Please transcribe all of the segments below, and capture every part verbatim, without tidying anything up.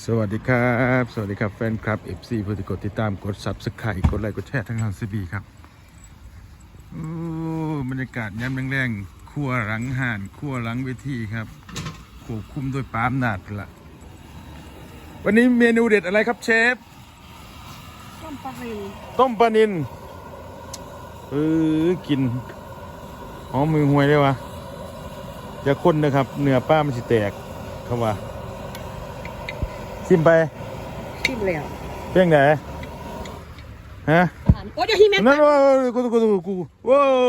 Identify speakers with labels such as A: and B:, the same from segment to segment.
A: สวัสดีครับสวัสดีครับแฟนคลับ เอฟ ซี ผู้ที่กดติดตามกด ซับสไครบ์ กดไลค์กดแชร์ทั้งทางซีบีครับโอ้บรรยากาศยามแรงๆครัวหลังห่านครัวหลังเวทีครับควบคุมโดยปาล์มนาดละวันนี้เมนูเด็ดอะไรครับเชฟ
B: ต้มปลานิล
A: ต้มปลานิลเออกินหอมมือห่วยเลยวะอย่าคนนะครับเนื้อป้ามันสิแตกเข้าว่าชิมไป
B: ชิมแล้ว
A: เพียงไหนฮะ
B: โอ้ยเดี๋ยวที่แม่
A: นั่นว่ากูกูกูกูว้าว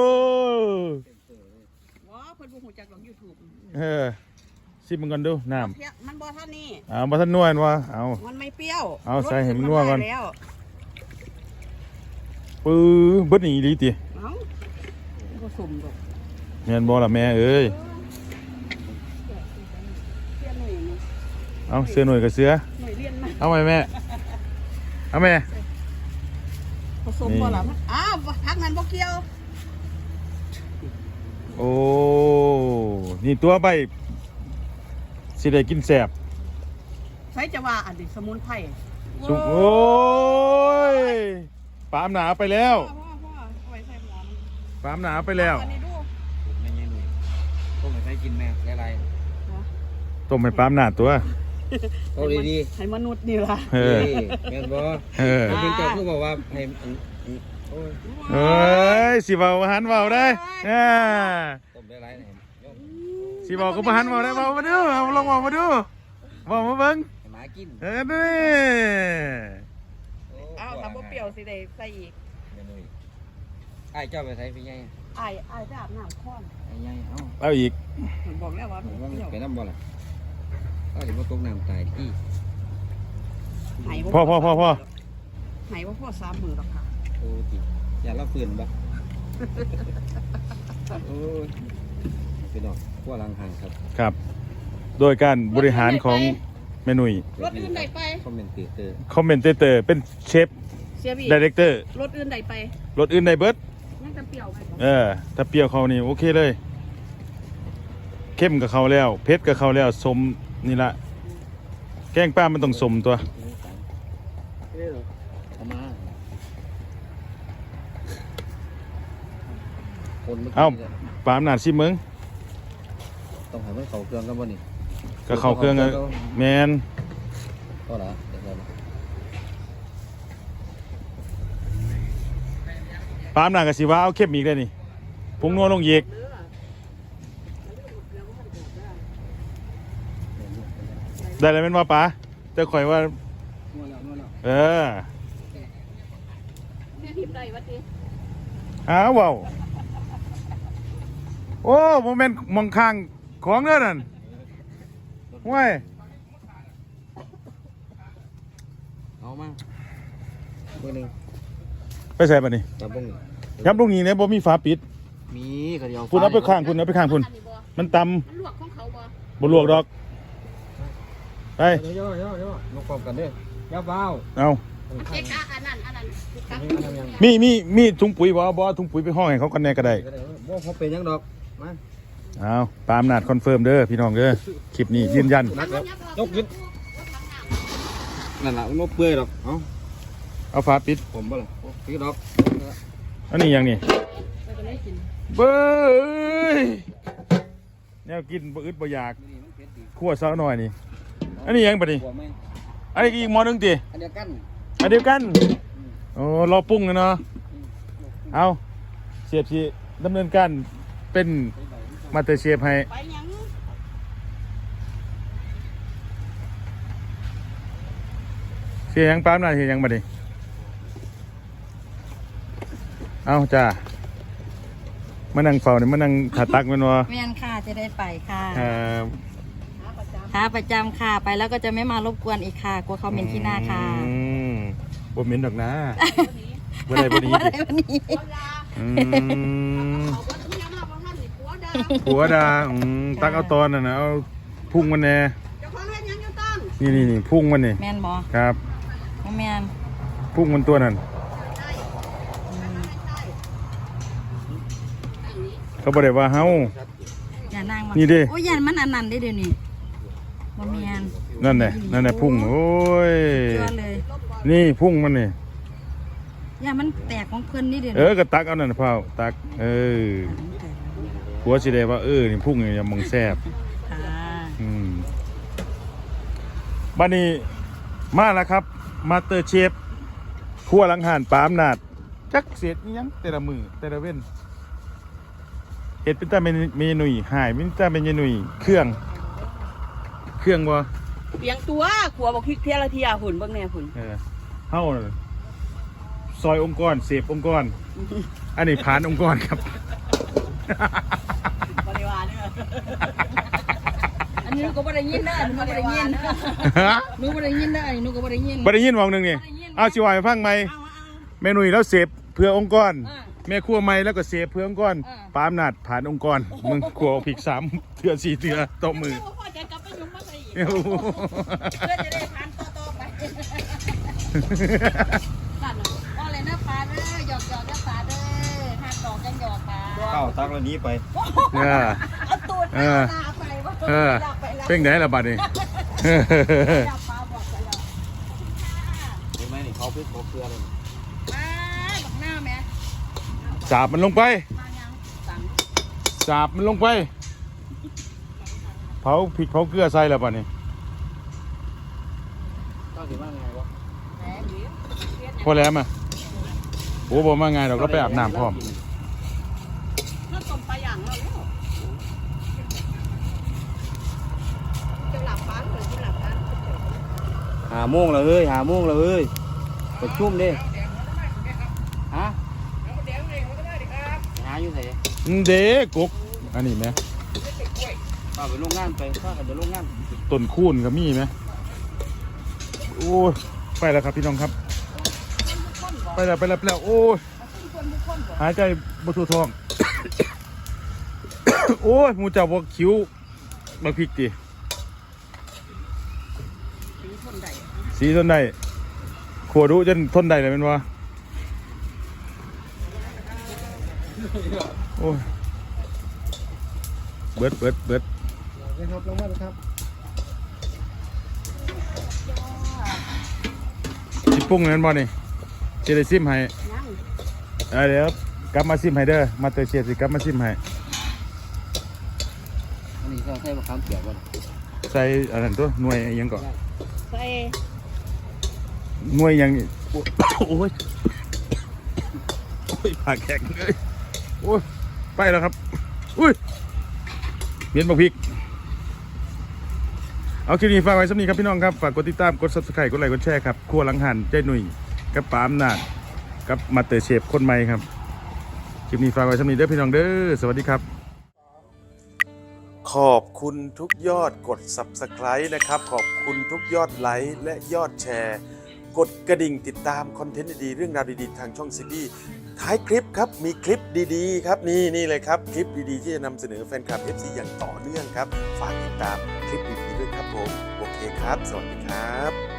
B: ว้าเพิ่นบ่ฮู้จักหรอก YouTube
A: เออชิมมันก่อนดูน้ำ
B: มันบ่ทันนี่
A: เอาบ่ทันนวลวะเอา
B: มันไม่เปรี้ยว
A: เอาใส่ให้มันนัวก่อนปื้อเบิดนี่ดีติ
B: เอ้าบ่สมดอก
A: แม่นบ่ล่ะแม่เอ้ยเอาเสือหน่วยกับเสือเอาไหมแม่เอาแม่
B: ผสมบ่ล่ะอ้าวพักนั้นบ่เกี่ยว
A: โอ้นี่ตัวใบสิได้กินแสบ
B: ใช้จะว่าอันนี้สมุนไพร
A: สุกโอ้ยปามหนาไปแล้วปามหนาไปแล้ว
C: ไม่ใช่หนุ่ยต้มให้ใครกินแม่ไร
A: ต้มให้ปามหนาตัว
C: โอ้ดี
B: ๆให้มนุษย์นี่ล่ะ
C: เออแม่นบ่เออจริงๆเจ้าคือบอกว่าให้โอ้ย
A: เอ้ยสิเว้าหันเว้าได้อ่า
C: ต้มได้หลายนี่
A: สิเว้าก็บ่หันเว้าได้เว้ามาดูเอาลองเว้ามาดูเว้ามาเบิ่ง
C: ให้หมากิน
A: เออนี่
B: อ้าวถ้าบ่เปรี้ยวสิได้ใส่อีก
C: แม่หนุ่ยอ้ายเจ้าไปใส่พี่ใหญ่
B: อ้ายอ้ายไปอาบน้ำค้อน
C: ไอ้ใหญ่เอ้า
A: เอาอีก
B: บอกแล้วว่า
C: ไปน้ำบ่ล่ะก็เห็นว่าตกน้ำตายที่
A: พ่อพ่อพ่อพ่อ
B: ไหนว่าพ่อสามมือหรอกค่ะ
C: โอ้ติอย่าละฝืนบ่โอ้ยพี่น้องขั้วลังหันครับ
A: ครับโดยการบริหารของแม่หนุ่ย
B: รถอื่นใดไป
C: คอมเมนเตอร์
A: คอมเมนเตอร์เป็นเชฟไดเรคเตอร์
B: รถอื่นใดไป
A: รถอื่นใดเบิร์ด
B: ยังจะเปรี้ยวไหม
A: เออถ้าเปรี้ยวเขานี่โอเคเลยเข้มกับเขาแล้วเผ็ดกับเขาแล้วสมนี่ละแกงป้ามันต้องสมตัวเอ้าปามหนาดซิมึง
C: ต้องให้มันเข้าเครื่องกันบ่นี่
A: ก็เข้าเครื่องแมน
C: ก็ละ
A: ปามหนาดกับสิว่าเอาเข้มอีกได้นี่พุงนัวลงเยกได้แล้วเป็นว่าป๋าจะคอยว่าเอออ้าวว้าวโอ้โมเมนต์มองข้างของเนื้อนั่นว้าย
C: เอามาตัวนึง
A: ไปใส่ปะนี่
C: จับบุ้ง
A: ยับลูกนี้เนี่ยบ่มีฝาปิด
C: มีกระเดียว
A: คุณเอาไปข้างคุณเอาไปข้างคุณมันตำบ่ลวกดอกไป
C: ย่อย่อย่อย่อยกความกันเด้อย่าเบา
A: เอา
B: เจ๊กะอันนั้นอันนั้น
A: มีมีมีถุงปุ๋ยบ่บ่ถุงปุ๋ยไปห้องให้เขากันแน่ก็ได้
C: บ่เขาเป็นยังดอกมา
A: เอาตามนาดคอนเฟิร์มเด้อพี่น้องเด้อคลิปนี้ยืนยัน
C: ยกขึ้นนั่นแหละมันเปื่อยดอกเอา
A: เอาฝาปิด
C: ผมบ่ล่ะปิดดอก
A: อันนี้ยังนี่เบ้ยแนวกินบ่อึดบ่อยากคั่วซะหน่อยนี่อันนี้ยังปะนี่อันนี้อีกหม้อนึงติ
C: อันเดียวกัน
A: อันเดียวกันโอ้รอปรุงกันเนาะเอาเชฟสิดำเนินการเป็นมาสเตอร์เชฟให้เสียยังปั๊มหน่อยเสียยังมาดิเอาจ้ามานั่งเฝ้าเนี่ยมานั่งขาตักมันวะ
B: แม่นค่ะจะได้ไปค่ะ
A: ครับ
B: ขาประจำค่ะไปแล้วก็จะไม่มารบกวนอีกค่ะกลัวเขาเหม็นที่หน้าค่ะ
A: อืมบ่เหม็นดอกนะบ่ได้บ่ดี
B: บ่ได้บ่ดี
A: อืมหัวดาอืมตักเอาตอนน่ะนะเอาพุ่งมันแน่นี่นี่นี่พุ่งมันนี่
B: แม่นบ่
A: ครับ
B: แม่น
A: พุ่งมันตัวนั้นเขาบอกได้ว่าเฮา
B: อย่านั่งมา
A: นี่ดิ
B: โอ้ยยันมันอันนั้นได้เดี๋ยวนี้บะเมียน
A: นั่นแหละนั่นแหละพุ่งโอ้ย
B: เชื่อเลย
A: นี่พุ่งมันนี่
B: ย่ามันแตกของเพิ่นนี่เดี๋ยว
A: เออก็ตักเอานั่นเผาตักเออผัวสิได้ว่าเออนี่พุ่งนี่อย่ามองแซ่บ
B: ค่ะ
A: อืมบัดนี้มาแล้วครับมาสเตอร์เชฟครัวหลังหานปาอำนาจจักเสียดอิหยังแต่ละมือแต่ละเว้นเฮ็ดเป็นตาเมนูหายเป็นตาเมนูเครื่อง เครื่องบ่
D: เปียงตัวขัวบอกพริกเทียละเทียหุ่นเบิ่งแน่หุ่น
A: เออเฮาน่ะซอยองค์กรเสพองค์กร อันนี้ผ่านองค์กรครับ
D: บริวารเนี่ย
B: อันนี้หนูก็บ่ได้ยินเด้อหนูก็บ่ได้ยินหนูบ่ได้ยินเด้ออันนี้หนูก็บ่ได้ยิน
A: บ่ได้ยินวงหนึงนี่เอาสิว่าให้ฟังไหมเมนูแล้วเสพเพื่อองค์กร แม่ครัวใหม่แล้วก็เสพเพื่อองค์กรปาอำนาจผ่านองค์กรมึงครัวพริกสามเถื่อสี่เถื่อตบมือ
D: พ่อจะกลับไปยุ่งมาใส่อีก
A: เอ้า
D: เพื่อจะได้ทานต่อๆไป
B: สั่นว่าเลยนะปลาเด้อหยอกหยอกนะปลาเด้อหักดอกกันหยอกปลา
C: เข้าตักแล้วนี้ไป
A: เออ
D: เอาตูด
A: เออ
D: หน้าไปว่า
A: เออ
D: อยากไปแล้ว
A: เพ่งไหนละบัดนี้
D: อยากปลาบอกไปแล้ว
C: เห็นไหมนี่เขาพริกเขาเกลือเลย
B: อ่าบักหน้าแม่
A: สาบมันลงไป
B: มายังสั่ง
A: สาบมันลงไป เผาพริกเผาเกลือใส่แล้วบัดนี้
C: ก็ถือว่าไงวะ
B: แหมหรือ
A: พอแล้วมาโอ้บ่มาไงเราก็ไปอาบน้ำพร้อม
D: ถ้าต้มปลาอย่างเราแล้วจะหลับปันหรือจะหลับปัน
C: หาโมงแล้วเฮ้ยหาโมงแล้วเฮ้ยประชุมดิฮะหาอยู่ไหน
A: เด็กกอันนี้ไหม
C: ป้าไปโรงงานไปป้าไปโรงงาน
A: ต้นคูนกับมีไหมโอ้ยไปแล้วครับพี่น้องครับ ไปแล้วไปแล้วไปแล้วโอ้ยหายใจบทั่วท้อง โอ้ยหมูเจ้าบอกคิ้วมาพริกดิสีทนได้ขวดดูจนทนได้เลยเป็นวะโอ้ยเบิดเบิดเบิด
C: นะครับลงมาครับ
A: สิปรุงนั่นบ่นี่สิได้ซิมให้เออเดี๋ยวกลับมาซิมให้เด้อมาเตอร์เชฟสิกลับมาซิมให้
C: อันนี้ก็ใส่มะขามเปียกก่อน
A: ใส่อันนั้นตัวหน่วยอิหยังก่อน
D: ใส่
A: หน่วยอิหยังนี่โอ้ยโอ้ยโอ้ยปากแข็งเลยโอ้ยไปแล้วครับอุ้ยเมียนบักพริกเอาคลิปนี้ฝากไว้สำนี้ครับพี่น้องครับฝากกดติดตามกด ซับสไครบ์ กดไลค์กดแชร์ครับครัวหลังหันเจ้หนุ่ยกับปาอำนาจกับมาเตอร์เชฟคนใหม่ครับคลิปนี้ฝากไว้สำนี้เด้อพี่น้องเด้อสวัสดีครับขอบคุณทุกยอดกด ซับสไครบ์ นะครับขอบคุณทุกยอดไลค์และยอดแชร์กดกระดิ่งติดตามคอนเทนต์ดีๆเรื่องราวดีๆทางช่องซีบีท้ายคลิปครับมีคลิปดีๆครับนี่นี่เลยครับคลิปดีๆที่จะนำเสนอแฟนคลับ เอฟ ซี อย่างต่อเนื่องครับฝากติดตามคลิปดีๆด้วยครับผมโอเคครับสวัสดีครับ